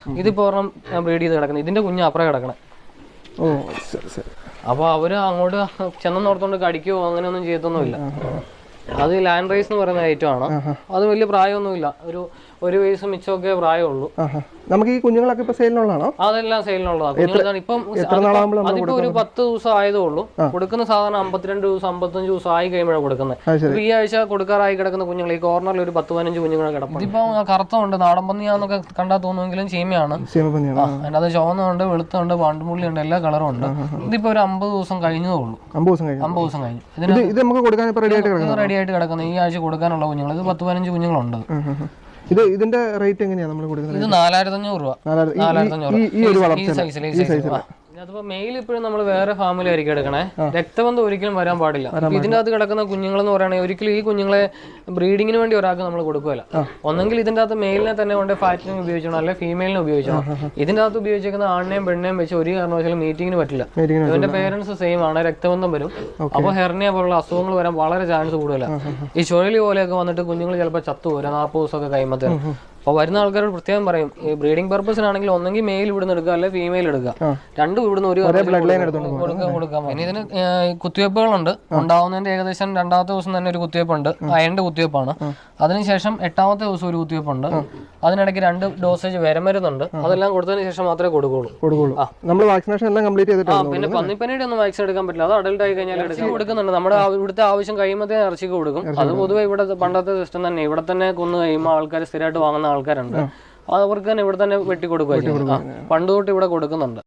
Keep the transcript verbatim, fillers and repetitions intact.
ഇതിപ്പോ ഒരെണ്ണം ബ്രീഡ് ചെയ്ത് കിടക്കുന്നത്, ഇതിന്റെ കുഞ്ഞ് അപ്പുറം കിടക്കണേ. ഓ ശരി ശരി. അപ്പൊ അവര് അങ്ങോട്ട് ചെന്നോർത്തോണ്ട് കടിക്കുകയോ അങ്ങനെയൊന്നും ചെയ്തൊന്നുമില്ല. അത് ലാൻഡ് റൈസ് എന്ന് പറയുന്ന ഐറ്റം ആണ്. അത് വലിയ പ്രായമൊന്നുമില്ല, ഒരു ഒരു വയസ്സ് മിച്ചമൊക്കെ പ്രായമുള്ളൂ. നമുക്ക് ഈ കുഞ്ഞുങ്ങളൊക്കെ ഇപ്പൊ സെയിലിനുള്ളതാണോ? അതെല്ലാം സെയിലിനുള്ളതാണ്. ഇപ്പം അതിപ്പോ ഒരു പത്ത് ദിവസം ആയതേ ഉള്ളൂ. കൊടുക്കുന്ന സാധാരണ അമ്പത്തിരണ്ട് ദിവസം അമ്പത്തഞ്ച് ദിവസം ആയി കഴിയുമ്പോഴാണ് കൊടുക്കുന്നത്. ഈ ആഴ്ച കൊടുക്കാറായി കിടക്കുന്ന കുഞ്ഞുങ്ങൾ ഈ കോർണറിൽ ഒരു പത്ത് പതിനഞ്ച് കുഞ്ഞുങ്ങളെ കിടക്കും. ഇതിപ്പോ കറുത്തുണ്ട്, നാടൻ പന്നിയാന്നൊക്കെ കണ്ടാൽ തോന്നുമെങ്കിലും ചീമയാണ്. അതിനകത്ത് ചുവന്നുണ്ട്, വെളുത്തുണ്ട്, പാണ്ടുമുള്ളി ഉണ്ട്, എല്ലാ കളറും ഉണ്ട്. ഇതിപ്പോ ഒരു അമ്പത് ദിവസം കഴിഞ്ഞതേ ഉള്ളൂ. അമ്പത് ദിവസം കഴിഞ്ഞു ഇതിന് റെഡി ആയിട്ട് കിടക്കുന്നത്. ഈ ആഴ്ച കൊടുക്കാനുള്ള കുഞ്ഞുങ്ങൾ ഇത് പത്ത് പതിനഞ്ച് കുഞ്ഞുങ്ങളുണ്ട്. ഇത് ഇതിന്റെ റേറ്റ് എങ്ങനെയാണ് നമ്മൾ കൊടുക്കുന്നത്? ഇത് നാലായിരത്തി അഞ്ഞൂറ് രൂപ. നാലായിരത്തി അഞ്ഞൂറ്. അതിപ്പോ മെയിൽ ഇപ്പോഴും നമ്മൾ വേറെ ഫാമിലായിരിക്കും എടുക്കണേ. രക്തബന്ധം ഒരിക്കലും വരാൻ പാടില്ല. ഇതിന്റെ അകത്ത് കിടക്കുന്ന കുഞ്ഞുങ്ങൾ എന്ന് പറയുകയാണെങ്കിൽ ഒരിക്കലും ഈ കുഞ്ഞുങ്ങളെ ബ്രീഡിങ്ങിന് വേണ്ടി ഒരാൾക്ക് നമ്മൾ കൊടുക്കുകയില്ല. ഒന്നെങ്കിൽ ഇതിന്റെ അകത്ത് മെയിലിനെ തന്നെ കൊണ്ട് ഫാറ്റിന് ഉപയോഗിക്കണം, അല്ലെങ്കിൽ ഫീമെയിലിനെ ഉപയോഗിക്കണം. ഇതിന്റെ അകത്ത് ഉപയോഗിച്ചിരിക്കുന്ന ആണിനെയും പെണ്ണിനെയും വെച്ച് ഒരു കാരണവശാലും മീറ്റിങ്ങിന് പറ്റില്ല. ഇവന്റെ പേരൻസ് സെയിം ആണ്, രക്തബന്ധം വരും. അപ്പൊ ഹെർണിയ പോലുള്ള അസുഖങ്ങൾ വരാൻ വളരെ ചാൻസ് കൂടുതല. ഈ ചുഴലി പോലെയൊക്കെ വന്നിട്ട് കുഞ്ഞുങ്ങൾ ചിലപ്പോൾ ചത്തുപോരാ നാൽപ്പത് ദിവസമൊക്കെ കഴിയുമ്പോഴത്തേനും. അപ്പോൾ വരുന്ന ആൾക്കാരോട് പ്രത്യേകം പറയും, ഈ ബ്രീഡിംഗ് പർപ്പസിനാണെങ്കിൽ ഒന്നെങ്കിൽ മെയിൽ ഇവിടുന്ന് എടുക്കുക, അല്ലെങ്കിൽ ഫീമെയിൽ എടുക്കുക. രണ്ടും ഇവിടുന്ന് ഒരു കൊടുക്കാം. ഇനി ഇതിന് കുത്തിവയ്പ്പുകളുണ്ട്. ഉണ്ടാവുന്നതിന്റെ ഏകദേശം രണ്ടാമത്തെ ദിവസം തന്നെ ഒരു കുത്തിവയ്പ്പുണ്ട്, അയണിന്റെ കുത്തിവയ്പ്പാണ്. അതിനുശേഷം എട്ടാമത്തെ ദിവസം ഒരു കുത്തിവയ്പ്പുണ്ട്. അതിനിടയ്ക്ക് രണ്ട് ഡോസേജ് വരമരുന്നുണ്ട്. അതെല്ലാം കൊടുത്തതിന് ശേഷം മാത്രമേ കൊടുക്കുള്ളൂ. നമ്മൾ വാക്സിനേഷൻ എല്ലാം കംപ്ലീറ്റ് ചെയ്തിട്ടുണ്ട്. പിന്നെ പന്നിപ്പനിയുടെ ഒന്നും വാക്സിൻ എടുക്കാൻ പറ്റില്ല, അത് അഡൽട്ട് ആയി കഴിഞ്ഞാൽ ഇറച്ചി കൊടുക്കുന്നുണ്ട്. നമ്മുടെ ഇവിടുത്തെ ആവശ്യം കഴിയുമ്പോഴത്തേ ഇറച്ചിക്ക് കൊടുക്കും. അത് പൊതുവെ ഇവിടെ പണ്ടത്തെ സിസ്റ്റം തന്നെ. ഇവിടെ തന്നെ കൊന്നു കഴിയുമ്പോൾ ആൾക്കാർ സ്ഥിരമായിട്ട് വാങ്ങുന്ന ആൾക്കാരുണ്ട്. അവർക്ക് തന്നെ ഇവിടെ തന്നെ വെട്ടി കൊടുക്കുക. പണ്ട് തൊട്ട് ഇവിടെ കൊടുക്കുന്നുണ്ട്.